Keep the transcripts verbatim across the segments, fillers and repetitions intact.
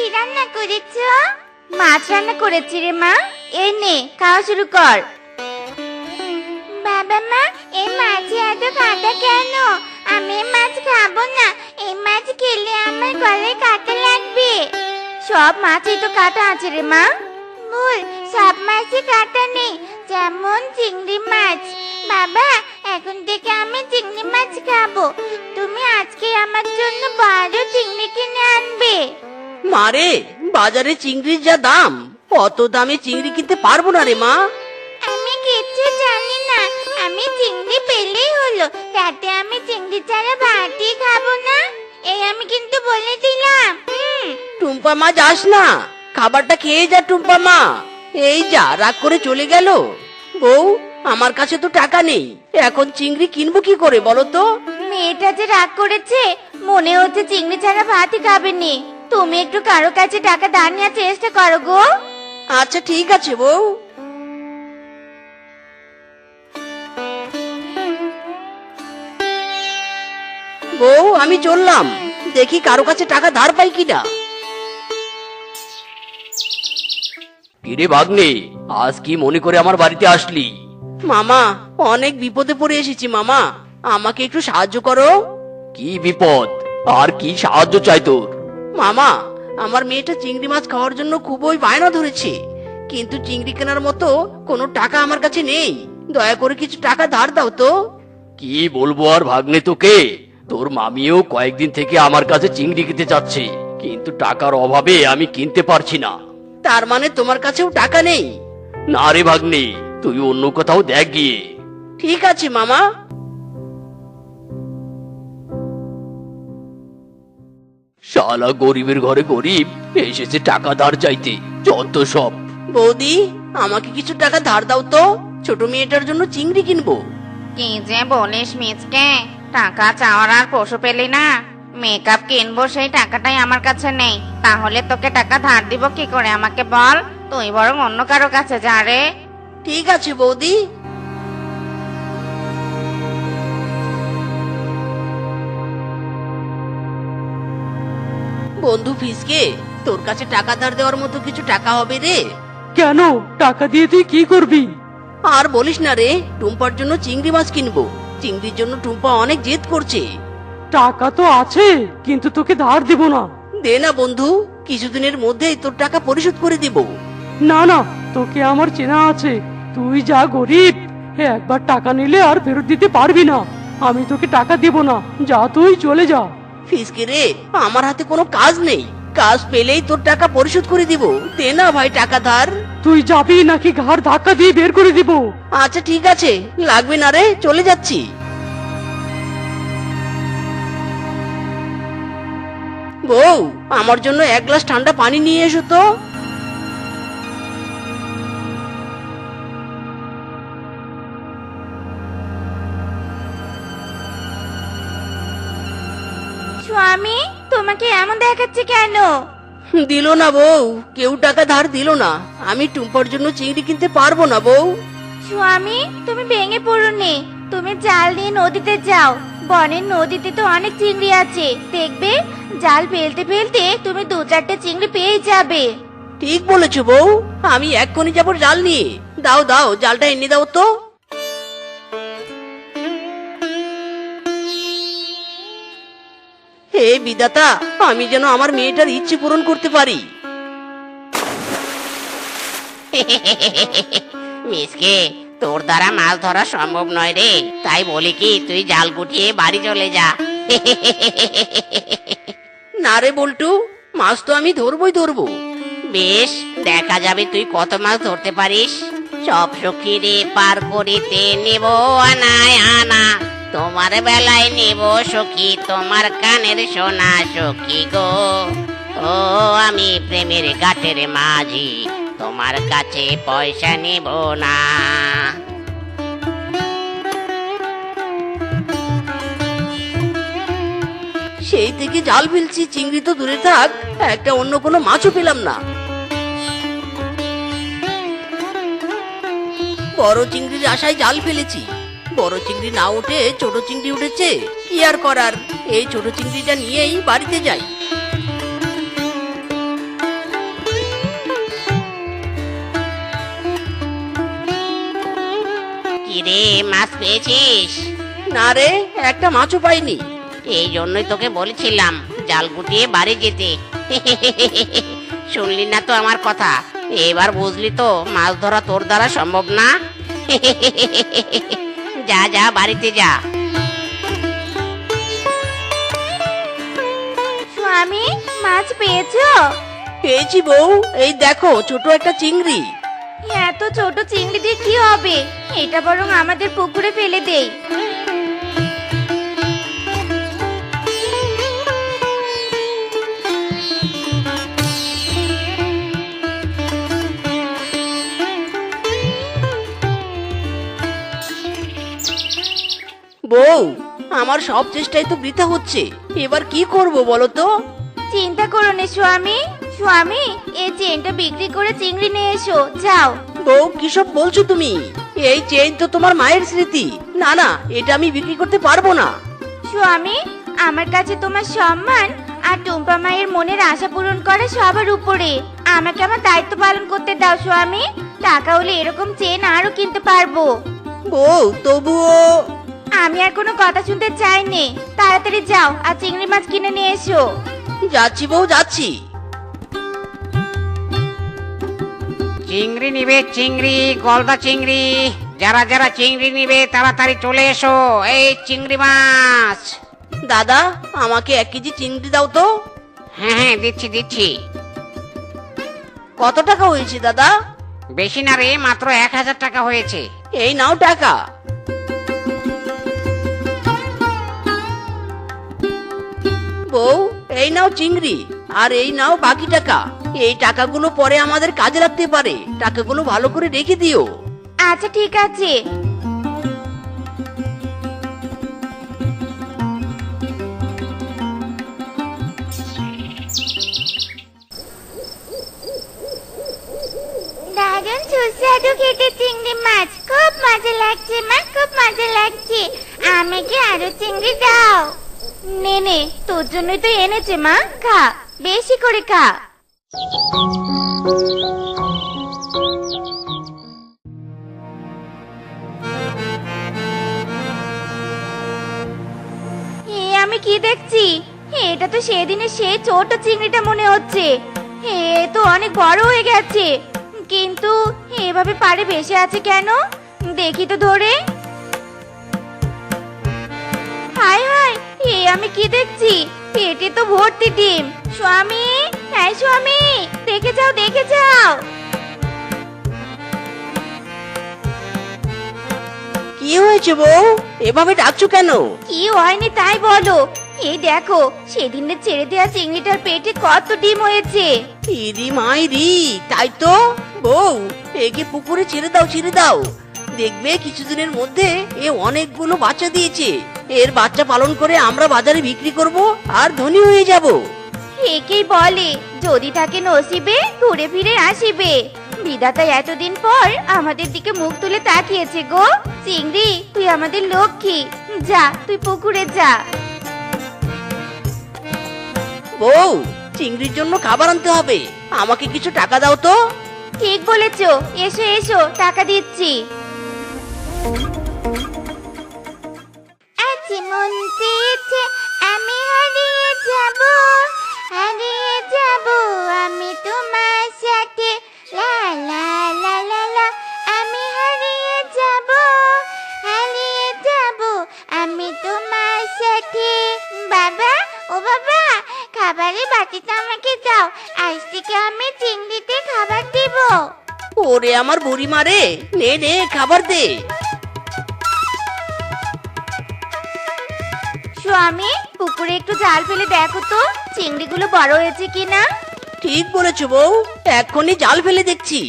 রান্না করেছো? মাছ রান্না করেছি রে মা। এই নে, খাওয়া শুরু কর। বাবা মা, এই মাছে এত কাঁটা কেন? আমি এই মাছ খাবো না। এই মাছ খেলে আমার গলায় কাঁটা লাগবে। সব মাছেই তো কাঁটা আছে রে মা। ভুল, সব মাছে কাঁটা নেই, যেমন চিংড়ি মাছ। বাবা, এখন থেকে আমি চিংড়ি মাছ খাবো। তুমি আজকে আমার জন্য বড় চিংড়ি কিনে আনবে। মারে, বাজারে চিংড়ির যা দাম, অত দামে চিংড়ি কিনতে পারবো না রে মা। আমি কিচ্ছু জানি না। আমি চিংড়ি পেলেই হলো, তাতে আমি চিংড়ি ছাড়া ভাতই খাবো না। এই আমি কিন্তু বলে দিলাম। হুম। টুম্পা মা, যাস না, খাবারটা খেয়ে যা টুম্পা মা। এই যা, রাগ করে চলে গেল। বউ, আমার কাছে তো টাকা নেই, এখন চিংড়ি কিনবো কি করে বলো তো? মেয়েটা যে রাগ করেছে, মনে হচ্ছে চিংড়ি ছাড়া ভাতই খাবেনি। তুমি একটু কারো কাছে টাকা ধার নেওয়ার চেষ্টা করো গো। আচ্ছা ঠিক আছে বউ। বউ, আমি চললাম, দেখি কারো কাছে টাকা ধার পাই কিনা। কিরে ভাগ্নে, আজ কি মনে করে আমার বাড়িতে আসলি? মামা, অনেক বিপদে পড়ে এসেছি মামা, আমাকে একটু সাহায্য করো। কি বিপদ আর কি সাহায্য চাই তোর? মামা, আমার মেয়েটা চিংড়ি মাছ খাওয়ার জন্য খুবই বায়না ধরেছে, কিন্তু চিংড়ি কেনার মতো কোনো টাকা আমার কাছে নেই। দয়া করে কিছু টাকা ধার দাও তো। কি বলবো আর ভাগ্নে তোকে, তোর মামিও কয়েকদিন থেকে আমার কাছে চিংড়ি কিনতে যাচ্ছে, কিন্তু টাকার অভাবে আমি কিনতে পারছি না। তার মানে তোমার কাছেও টাকা নেই? না রে ভাগ্নে, তুই অন্য কোথাও দেখ গিয়ে। ঠিক আছে মামা। শালা গরিবের ঘরে গরিব এসেছে টাকা ধার চাইতে, যত সব। বৌদি, আমাকে কিছু টাকা ধার দাও তো, ছোট মেয়েটার জন্য চিংড়ি কিনবো। কি যে বলিস মিচকে, টাকা চাওয়ার আর পশু পেলি না? মেকআপ কিনবো, সেই টাকাটাই আমার কাছে নেই, তাহলে তোকে টাকা ধার দিব কি করে আমাকে বল? তুই বরং অন্য কারো কাছে যা রে। ঠিক আছে বৌদি। বন্ধু ফিসকে, তোর কাছে টাকা ধার দেওয়ার মতো কিছু টাকা হবে রে? কেন, টাকা দিয়ে তুই কি করবি? আর বলিস না রে, টুম্পার জন্য চিংড়ি মাছ কিনবো। চিংড়ির জন্য টুম্পা অনেক জেদ করছে। টাকা তো আছে, কিন্তু তোকে ধার দিব না। দে না বন্ধু, কিছুদিনের মধ্যেই তোর টাকা পরিশোধ করে দিব। না না, তোকে আমার চেনা আছে, তুই যা গরিব, একবার টাকা নিলে আর ফেরত দিতে পারবি না। আমি তোকে টাকা দিব না, যা তুই চলে যা। ফিসকে রে, আমার হাতে কোনো কাজ নেই, কাজ পেলেই তোর টাকা পরিশোধ করে দিব। দে না ভাই টাকা ধার। তুই যাবি নাকি ঘাড় ধাক্কা দিয়ে বের করে দিব? আচ্ছা ঠিক আছে, লাগবে না রে, চলে যাচ্ছি। বউ, আমার জন্য এক গ্লাস ঠান্ডা পানি নিয়ে এসো তো। স্বামী, তোমাকে এমন দেখাচ্ছে কেন? দিল না বউ, কেউ টাকা ধার দিল না। আমি টুম্পার জন্য চিংড়ি কিনতে পারবো না বউ। স্বামী, তুমি ভেঙে পড়োনি, তুমি জাল নিয়ে নদীতে যাও। বনের নদীতে তো অনেক চিংড়ি আছে, দেখবে জাল ফেলতে ফেলতে তুমি দু চারটে চিংড়ি পেয়ে যাবে। ঠিক বলেছো বউ, আমি এক্ষুনি যাবো জাল নিয়ে। দাও দাও, জালটা এনে দাও তো। হে বিধাতা, আমি যেন আমার মেয়েটার ইচ্ছে পূরণ করতে পারি। মিসকে, তোর দ্বারা মাছ ধরা সম্ভব নয় রে, তাই বলি কি তুই জাল গুটিয়ে বাড়ি চলে যা। না রে বল্টু, মাছ তো আমি ধরবই ধরবো। বেশ, দেখা যাবে তুই কত মাছ ধরতে পারিস। সব সখী রে পার করিতে নেব আনায় আনা, তোমার বেলায় নেব সখী তোমার কানের সোনা সখী গো। ও আমি প্রেমের ঘাটের মাঝি, তোমার কাছে পয়সা নেব না। সেই থেকে জাল ফেলছি, চিংড়ি তো দূরে থাক, একটা অন্য কোনো মাছও পেলাম না। বড় চিংড়ির আশায় জাল ফেলেছি, বড় চিংড়ি না উঠে ছোট চিংড়ি উঠেছে। কি আর করার, এই ছোট চিংড়িটা নিয়েই বাড়িতে যাই। কিরে মাছ পেয়েছিস? না রে, একটা মাছও পাইনি। এই জন্যই তোকে বলেছিলাম জাল গুটিয়ে বাড়ি যেতে। শুনলি না তো আমার কথা? এবার বুঝলি তো মাছ ধরা তোর দ্বারা সম্ভব না। যা যা বাড়িতে যা। স্বামী, মাছ পেয়েছো? পেয়েছি বউ, এই দেখো ছোট একটা চিংড়ি। এত ছোট চিংড়ি দিয়ে কি হবে? এটা বরং আমাদের পুকুরে ফেলে দেই। বউ, আমার সব চেষ্টাই তো বৃথা হচ্ছে, এবার কি করব বলো তো? চিন্তা করো না স্বামী। স্বামী, এই চেনটা বিক্রি করে চিংড়ি নিয়ে এসো, যাও। বউ, কিসব বলছো তুমি? এই চেইন তো তোমার মায়ের স্মৃতি। না না, এটা আমি বিক্রি করতে পারবো না। স্বামী, আমার কাছে তোমার সম্মান আর টুম্পা মায়ের মনের আশা পূরণ করা সবার উপরে। আমাকে আমার দায়িত্ব পালন করতে দাও স্বামী। টাকা হলে এরকম চেন আরো কিনতে পারবো। বউ, তবুও। আমি আর কোনো কথা শুনতে চাইনি। তাড়াতাড়ি যাও আর চিংড়ি মাছ কিনে নিয়ে এসো। যাচ্ছি বউ, যাচ্ছি। চিংড়ি নিবে চিংড়ি, গলদা চিংড়ি। যারা যারা চিংড়ি নিবে তাড়াতাড়ি চলে এসো। এই চিংড়ি মাছ। দাদা, আমাকে এক কেজি চিংড়ি দাও তো। হ্যাঁ হ্যাঁ দিচ্ছি দিচ্ছি। কত টাকা হয়েছে দাদা? বেশি না রে, মাত্র এক হাজার টাকা হয়েছে। এই নাও টাকা। বউ, এই নাও চিংড়ি, আর এই নাও বাকি টাকা। এই টাকাগুলো পরে আমাদের কাজে লাগতে পারে, টাকাগুলো ভালো করে রেখে দিও। আচ্ছা ঠিক আছে। দারুণ সুস্বাদু খেতে চিংড়ি মাছ, খুব মজা লাগছে মা, খুব মজা লাগছে। আমাকে আরো চিংড়ি দাও। নে নে, তোর জন্যই তো এনেছে মা, খা, বেশি করে খা। এ আমি কি দেখছি? এটা তো সেদিনের সেই ছোট চিংড়িটা মনে হচ্ছে। এ তো অনেক বড় হয়ে গেছে, কিন্তু এভাবে পাড়ে ভেসে আছে কেন? দেখি তো ধরে। হায় হায়, এ আমি কি দেখছি? পেটে তো ভর্তি ডিম। স্বামী, হ্যাঁ স্বামী, দেখে যাও দেখে যাও। কি হয়েছে বউ, এভাবে ডাকছো কেন? কি হয়নি তাই বলো। এই দেখো, সেদিনের ছেড়ে দেওয়া চিংড়িটার পেটে কত ডিম হয়েছে। ইরি মাইরি, তাই তো। বউ, একে পুকুরে ছেড়ে দাও, ছেড়ে দাও। দেখবে কিছুদিনের মধ্যে এ অনেকগুলো বাচ্চা দিয়েছে। এর বাচ্চা পালন করে আমরা বাজারে বিক্রি করব আর ধনী হয়ে যাব। একেই বলে যদি থাকে নসিবে ঘুরে ফিরে আসিবে। বিধাতা এতদিন পর আমাদের দিকে মুখ তুলে তাকিয়েছে গো। চিংড়ি, তুই আমাদের লক্ষ্মী। যা, তুই পুকুরে যা। বউ, চিংড়ির জন্য খাবার আনতে হবে, আমাকে কিছু টাকা দাও তো। ঠিক বলেছো, এসো এসো, টাকা দিচ্ছি। আজ মন চেয়েছে আমি হারিয়ে যাব, হারিয়ে যাব আমি তোমার সাথে। লা লা লা লা লা, আমি হারিয়ে যাব, হারিয়ে যাব আমি তোমার সাথে। বাবা, ও বাবা, খাবারের বাটিটা আমাকে দাও, আজ থেকে আমি চিংড়িতে খাবার দেব। ওরে আমার বুড়ি মারে, নে নে খাবার দে। স্বামী, পুকুরে একটু জাল ফেলে দেখো তো চিংড়িগুলো বড় হয়েছে কিনা। ঠিক বলেছো বউ, এক্ষুনি জাল ফেলে দেখছি।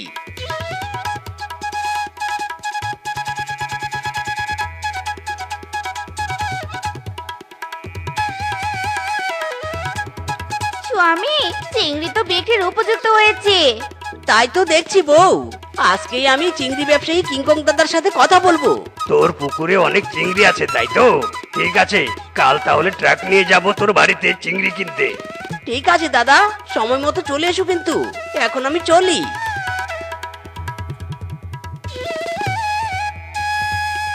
স্বামী, চিংড়ি তো বিক্রির উপযুক্ত হয়েছে। তাই তো দেখছি বউ, আজকেই আমি চিংড়ি ব্যবসায়ী কিংকং দাদার সাথে কথা বলবো। তোর পুকুরে অনেক চিংড়ি আছে তাই তো? ঠিক আছে, কাল তাহলে ট্রাক নিয়ে যাব তোর বাড়িতে চিংড়ি কিনতে। ঠিক আছে দাদা, সময় মতো চলে এসো কিন্তু। এখন আমি চলি।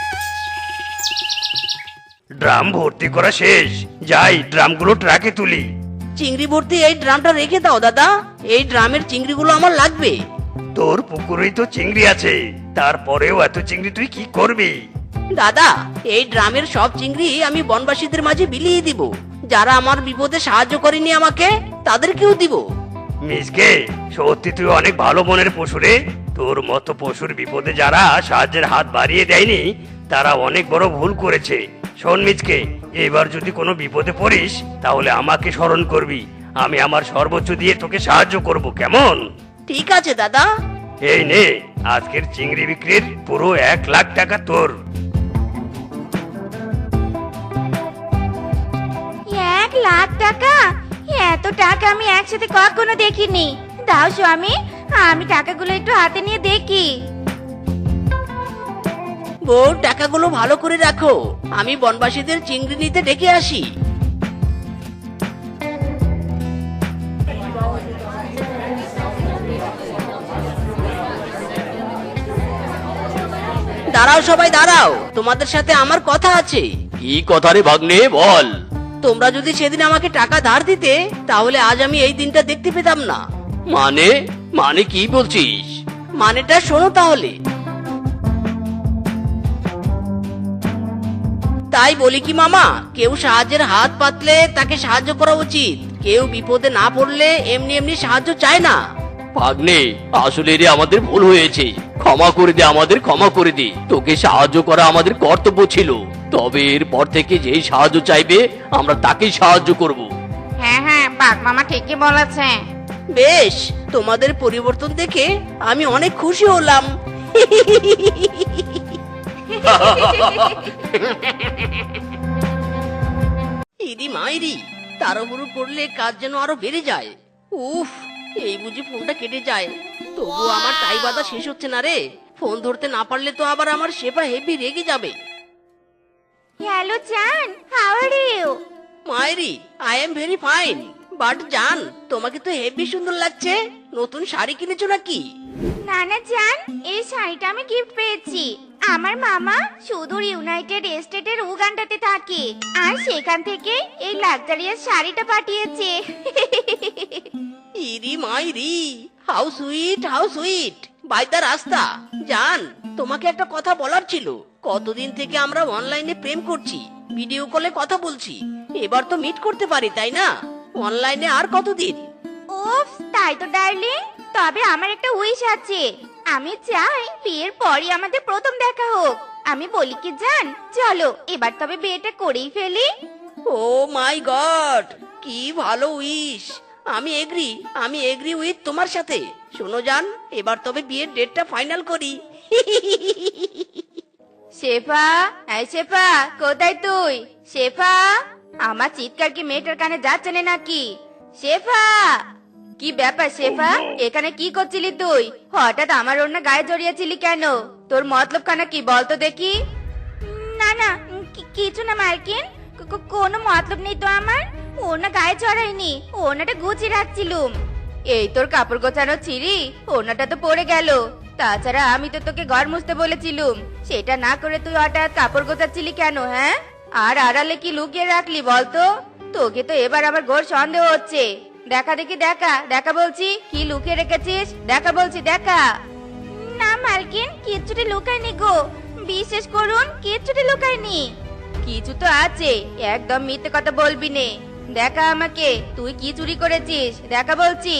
ড্রাম ভর্তি করা শেষ, যাই ড্রামগুলো ট্রাকে তুলি। চিংড়ি ভর্তি এই ড্রামটা রেখে দাও দাদা, এই ড্রামের চিংড়িগুলো আমার লাগবে। তোর পুকুরেই তো চিংড়ি আছে, তারপরেও এত চিংড়ি তুই কি করবি? দাদা, এই ড্রামের সব চিংড়ি আমি বনবাসীদের মাঝে বিলিয়ে দিব। যারা আমার বিপদে সাহায্য করেনি আমাকে, তাদেরকেও দিব। মিসকে, সত্যি তুই অনেক ভালো মনের পশু রে। তোর মতো পশুর বিপদে যারা সাহায্যের হাত বাড়িয়ে দেয়নি, তারা অনেক বড় ভুল করেছে। শোন মিসকে, এবার যদি কোনো বিপদে পড়িস তাহলে আমাকে স্মরণ করবি। আমি আমার সর্বোচ্চ দিয়ে তোকে সাহায্য করব, কেমন? ঠিক আছে দাদা। এই নে, আজকের চিংড়ি বিক্রির পুরো এক লাখ টাকা তোর। এক লাখ টাকা? এত টাকা আমি একসাথে কখনো দেখিনি। দাও স্বামী, আমি টাকাগুলো একটু হাতে নিয়ে দেখি। বউ, টাকাগুলো ভালো করে রাখো, আমি বনবাসীদের চিংড়ি নিতে ডেকে আসি। দাঁড়াও সবাই দাঁড়াও, তোমাদের সাথে আমার কথা আছে। কি কথা রে ভাগ্নে, বল। তোমরা যদি সেদিন আমাকে টাকা ধার দিতে, তাহলে আজ আমি এই দিনটা দেখতে পেতাম না। মানে মানে কি বলছিস? মানেটা শোনো তাহলে। তাই বলি কি মামা, কেউ সাহায্যের হাত পাতলে তাকে সাহায্য করা উচিত। কেউ বিপদে না পড়লে এমনি এমনি সাহায্য চায় না। ভাগ্নে, আসলে রে আমাদের ভুল হয়েছে, ক্ষমা করে দে, আমাদের ক্ষমা করে দে। তোকে সাহায্য করা আমাদের কর্তব্য ছিল, তবে এরপর থেকে যেই সাহায্য চাইবে আমরা তাকেই সাহায্য করব। হ্যাঁ হ্যাঁ, বাঘ মামা ঠিকই বলেছে। বেশ, তোমাদের পরিবর্তন দেখে আমি অনেক খুশি হলাম। ইদি মাইরি, তাড়াহুড়ো করলে কাজ যেন আরো বেড়ে যায়। উফ, এই বুঝি ফোনটা কেটে যায়। তবুও আমার টাই বাঁধা শেষ হচ্ছে না রে। ফোন ধরতে না পারলে তো আবার আমার শেফা হেভি রেগে যাবে। হ্যালো জান, হাউ আর ইউ? মায়েরি, I am very fine. But জান, তোমাকে তো হেভি সুন্দর লাগছে। নতুন শাড়ি কিনেছো নাকি? না না জান, এই শাড়িটা আমি গিফট পেয়েছি। আমার মামা সুদূর ইউনাইটেড স্টেটের উগান্ডাতে থাকে, আর সেখান থেকে এই লাক্সারিয়াস শাড়িটা পাঠিয়েছে। ইরি মাইরি, how sweet, how sweet. By the রাস্তা জান, তোমাকে একটা কথা বলার ছিল। কতদিন থেকে আমরা অনলাইনে প্রেম করছি, ভিডিও কলে কথা বলছি। এবার তো মিট করতে পারি, তাই না? অনলাইনে আর কতদিন? উফ, তাই তো ডার্লিং। তবে আমার একটা উইশ আছে। আমি চাই বিয়ের পরই আমাদের প্রথম দেখা হোক। আমি বলি কি জান, চলো এবার তবে বিয়েটা করেই ফেলি। ও মাই গড, কি ভালো উইশ। আমি এগ্রি, আমি এগ্রি উইথ তোমার সাথে। শোনো জান, এবার তবে বিয়ের ডেটটা ফাইনাল করি। শেফা, এই শেফা, কোথায় তুই? শেফা, আমার চিৎকার কি মেয়েটার কানে যাচ্ছে না নাকি? শেফা, কি ব্যাপার শেফা? এখানে কি করছিলি তুই? হঠাৎ আমার ওর গায়ে জড়িয়েছিলি কেন? তোর মতলব খানা কি বলতো দেখি। না না, কি- কিছু না মার্কিন, কো- কো- কোনো মতলব নেই তো আমার। ওনা গায়ে চড়াইনি, ওনাটা গুছিয়ে রাখছিলুম। এই তোর কাপড় গোছানো ছিঁড়ি, ওনাটা তো পড়ে গেল। তাছাড়া আমি তো তোকে ঘর মুছতে বলেছিলুম, সেটা না করে তুই হঠাৎ কাপড় গোছাচ্ছিলি কেন? হ্যাঁ, আর আড়ালে কি লুকিয়ে রাখলি বলতো? তোকে তো এবার আবার ঘোর সন্দেহ হচ্ছে। দেখা দেখি, দেখা দেখা বলছি, কি লুকিয়ে রেখেছিস? দেখা বলছি, দেখা। না মালকিন, কিচ্ছুটি লুকায়নি গো, বিশেষ করুন কিচ্ছুটি লুকায়নি। কিছু তো আছে, একদম মিথ্যে কথা বলবি নে। দেখা আমাকে, তুই কি চুরি করেছিস? দেখা বলছি।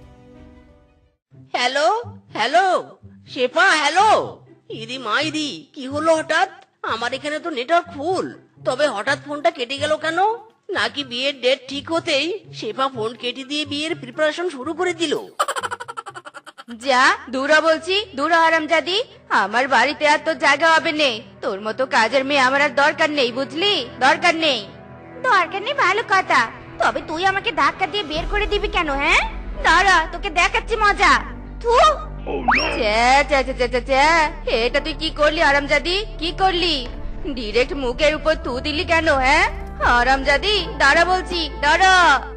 Hello hello, Shefa hello. ইদি মাইরি, কি হলো হঠাৎ? আমার এখানে তো নেটওয়ার্ক ফুল, তবে হঠাৎ ফোনটা কেটে গেল কেন? নাকি বিয়ের ডেট ঠিক হতেই শেফা ফোন কেটে দিয়ে বিয়ের প্রিপারেশন শুরু করে দিল? যা দূরা বলছি, দূরা হারামজাদি। আমার বাড়িতে আর তোর জায়গা হবে নে। তোর মতো কাজের মেয়ে আমার আর দরকার নেই, বুঝলি? দরকার নেই। দরকার নেই ভালো কথা, তবে তুই আমাকে ধাক্কা দিয়ে বের করে দিবি কেন? হ্যাঁ, দাঁড়া, তোকে দেখাচ্ছি মজা। থু, চ্যা, চ্যা, চ্যা, চ্যা, চ্যা, চ্যা। এটা তুই কি করলি হারামজাদি? কি করলি? ডিরেক্ট মুখের উপর থু দিলি কেন? হ্যাঁ হারামজাদি, দাঁড়া বলছি, দাঁড়া।